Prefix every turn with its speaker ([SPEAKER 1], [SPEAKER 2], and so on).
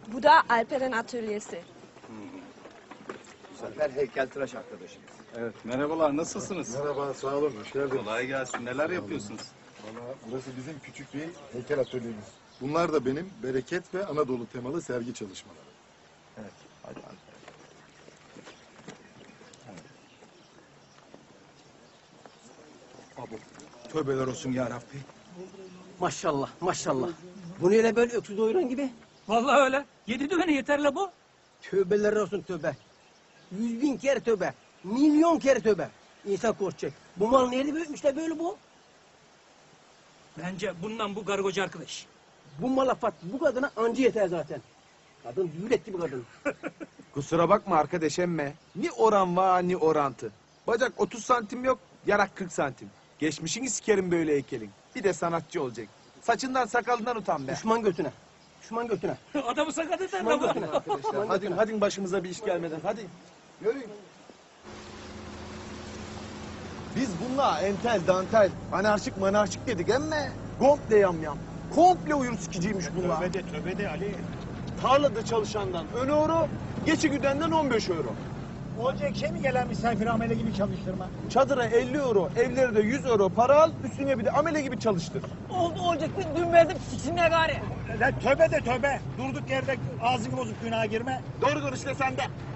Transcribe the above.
[SPEAKER 1] Bu da Alper'in atölyesi.
[SPEAKER 2] Alper heykeltıraş arkadaşımız.
[SPEAKER 3] Evet, merhabalar, nasılsınız?
[SPEAKER 4] Merhaba, sağ olun, hoş geldiniz.
[SPEAKER 3] Kolay gelsin, neler yapıyorsunuz?
[SPEAKER 4] Valla burası bizim küçük bir heykel atölyemiz. Bunlar da benim bereket ve Anadolu temalı sergi çalışmaları.
[SPEAKER 2] Evet, hadi Alper.
[SPEAKER 5] Abi, tövbeler olsun ya Rabbi.
[SPEAKER 6] Maşallah, maşallah. Bu ne öyle böyle öksüz doyuran gibi?
[SPEAKER 7] Vallahi öyle. 7 düğüne yeter la bu.
[SPEAKER 6] Tövbeler olsun tövbe. 100.000 kere tövbe. Milyon kere tövbe. İnsan korkacak. Bu mal nerede büyütmüşler böyle bu?
[SPEAKER 7] Bence bundan bu kargocu arkadaş.
[SPEAKER 6] Bu malafat bu kadına anca yeter zaten. Kadın düğün etti bu kadın.
[SPEAKER 5] Kusura bakma arkadaş emme. Ni oran var ni orantı. Bacak 30 santim yok, yarak 40 santim. Geçmişini sikerim böyle heykelin. Bir de sanatçı olacak. Saçından sakalından utan be.
[SPEAKER 6] Düşman götüne. Düşman götüne.
[SPEAKER 7] Adamı sakat eder
[SPEAKER 6] Düşman
[SPEAKER 7] la bu.
[SPEAKER 6] götüne.
[SPEAKER 5] Arkadaşlar hadi başımıza bir iş gelmeden hadi. Yürüyün. Biz bununla entel, dantel, anarşik manarşik dedik emme. Komple yamyam. Komple uyur sikiciymiş bunlar.
[SPEAKER 8] Tövbe de Ali.
[SPEAKER 5] Tarlada çalışandan 10 euro, geçi güdenden 15 euro.
[SPEAKER 8] Olacak şey mi gelen misafir amele gibi çalıştırma?
[SPEAKER 5] Çadıra 50 euro, evlere de 100 euro para al, üstüne bir de amele gibi çalıştır.
[SPEAKER 6] Oldu olacak. Dün verdim siksinler gari.
[SPEAKER 8] Lan tövbe de tövbe. Durduk yerde ağzını bozup günaha girme.
[SPEAKER 5] Doğru konuş de sen de.